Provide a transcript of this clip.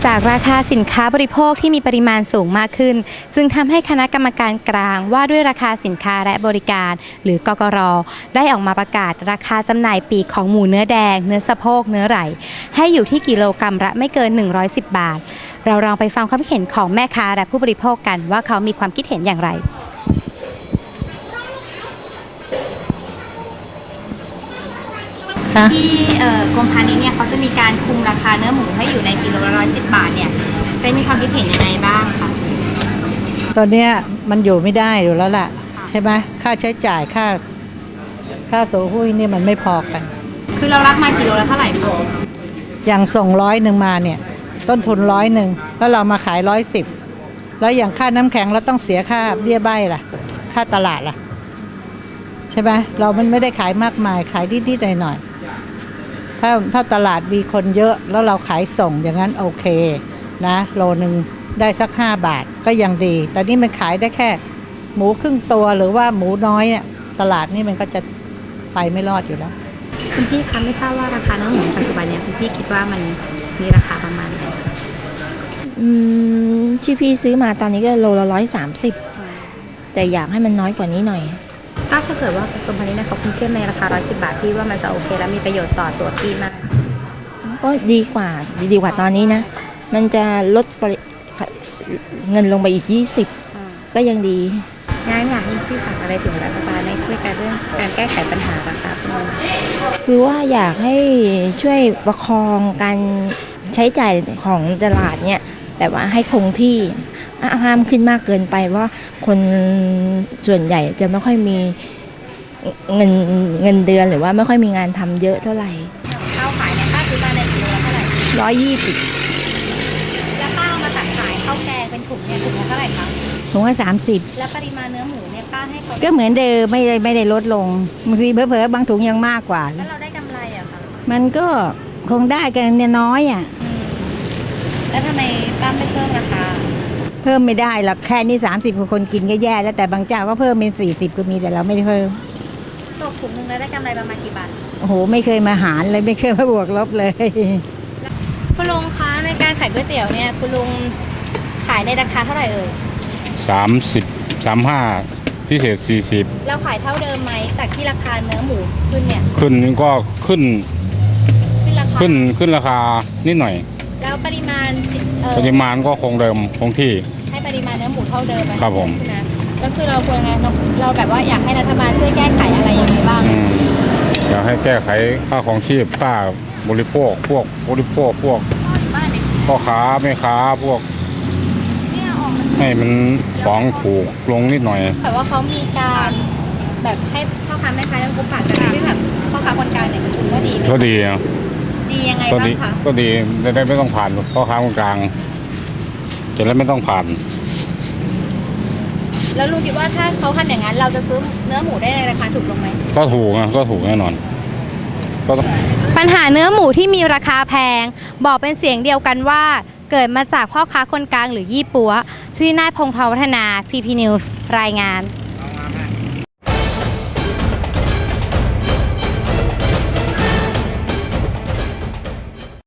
จากราคาสินค้าบริโภคที่มีปริมาณสูงมากขึ้นจึงทำให้คณะกรรมการกลางว่าด้วยราคาสินค้าและบริการหรือกกร.ได้ออกมาประกาศราคาจำหน่ายปลีกของหมูเนื้อแดงเนื้อสะโพกเนื้อไหล่ให้อยู่ที่กิโลกรัมละไม่เกิน110 บาทเราลองไปฟังความคิดเห็นของแม่ค้าและผู้บริโภคกันว่าเขามีความคิดเห็นอย่างไรที่กรมพาณิชย์เนี่ยเขาจะมีการคุมราคาเนื้อหมูให้อยู่ในกิโลละ110 บาทเนี่ยได้มีความคิดเห็นยังไงบ้างคะตอนนี้มันอยู่ไม่ได้อยู่แล้วล่ะใช่ไหมค่าใช้จ่ายค่าตัวหุ้ยนี่มันไม่พอกันคือเรารับมากิโลละเท่าไหร่คะอย่างส่ง100มาเนี่ยต้นทุน100แล้วเรามาขาย110แล้วอย่างค่าน้ำแข็งเราต้องเสียค่าเบี้ยใบล่ะค่าตลาดล่ะใช่ไหมเรามันไม่ได้ขายมากมายขายนิดๆหน่อยๆถ้าตลาดมีคนเยอะแล้วเราขายส่งอย่างนั้นโอเคนะโลนึงได้สัก5 บาทก็ยังดีแต่นี่มันขายได้แค่หมูครึ่งตัวหรือว่าหมูน้อยเนี่ยตลาดนี่มันก็จะไปไม่รอดอยู่แล้วคุณพี่คะไม่ทราบว่าราคาเนื้อหมูปัจจุบันเนี่ยคุณพี่คิดว่ามันมีราคาประมาณไหนที่พี่ซื้อมาตอนนี้ก็โลละ130แต่อยากให้มันน้อยกว่านี้หน่อยถ้าเกิดว่ากรมพาณิชย์เขาคุมเข้มในราคา110 บาทพี่ว่ามันจะโอเคและมีประโยชน์ต่อตัวพี่มากก็ดีกว่าตอนนี้นะมันจะลดเงินลงไปอีก20ก็ยังดีงั้นอยากให้พี่ฝากอะไรถึงรัฐบาลในช่วยการเรื่องการแก้ไขปัญหาราคาคือว่าอยากให้ช่วยประคองการใช้จ่ายของตลาดเนี่ยแบบว่าให้คงที่ห้ามขึ้นมากเกินไปว่าคนส่วนใหญ่จะไม่ค่อยมีเงินเดือนหรือว่าไม่ค่อยมีงานทำเยอะเท่าไหร่ข้าวขายเนี่ยป้าซื้อมาในกิโลละเท่าไหร่ 120 แล้วป้าเอามาตักขายข้าวแกงเป็นถุงเนี่ยถุงละเท่าไหร่คะถุงละ30 แล้วปริมาณเนื้อหมูเนี่ยป้าให้เขาก็เหมือนเดิมไม่ได้ลดลงบางทีเผลอๆบางถุงยังมากกว่าแล้วเราได้กำไรอะคะมันก็คงได้กันเนี่ยน้อยอะแล้วทำไมป้าไม่เพิ่มราคาเพิ่มไม่ได้หรอกแค่นี้30คนกินก็แย่แล้วแต่บางเจ้าก็เพิ่มเป็น40ก็มีแต่เราไม่ได้เพิ่มตกถุงนึงแล้วได้กำไรประมาณกี่บาทโอ้โหไม่เคยมาหารเลยไม่เคยมาบวกลบเลยคุณลุงคะในการขายก๋วยเตี๋ยวเนี่ยคุณลุงขายในราคาเท่าไหร่เอ่ย 30 35พิเศษ40 เราขายเท่าเดิมไหมจากที่ราคาเนื้อหมูขึ้นเนี่ยขึ้นก็ขึ้นราคานิดหน่อยแล้วปริมาณก็คงเดิมคงที่ให้ปริมาณเนื้อหมูเท่าเดิมครับผมก็คือเราควรไงเราแบบว่าอยากให้รัฐบาลช่วยแก้ไขอะไรยังไงบ้างอยากให้แก้ไขค่าของชีพค่าบริโภคพวกพ่อค้าแม่ค้าพวกให้มันของถูกลงนิดหน่อยแต่ว่าเขามีการแบบให้พ่อค้าแม่ค้าต้องพบปะกันที่แบบพ่อค้าคนกลางเนี่ยคุณว่าดีไหมก็ดีนะดียังไงบ้างคะก็ดีได้ไม่ต้องผ่านพ่อค้าคนกลางจะได้ไม่ต้องผ่านแล้วลุงคิดว่าถ้าเขาทำอย่างนั้นเราจะซื้อเนื้อหมูได้ในราคาถูกลงไหมก็ถูกนะก็ถูกแน่นอนปัญหาเนื้อหมูที่มีราคาแพงบอกเป็นเสียงเดียวกันว่าเกิดมาจากพ่อค้าคนกลางหรือยี่ปัวชื่อนายพงษ์ทวัฒนา PP News รายงาน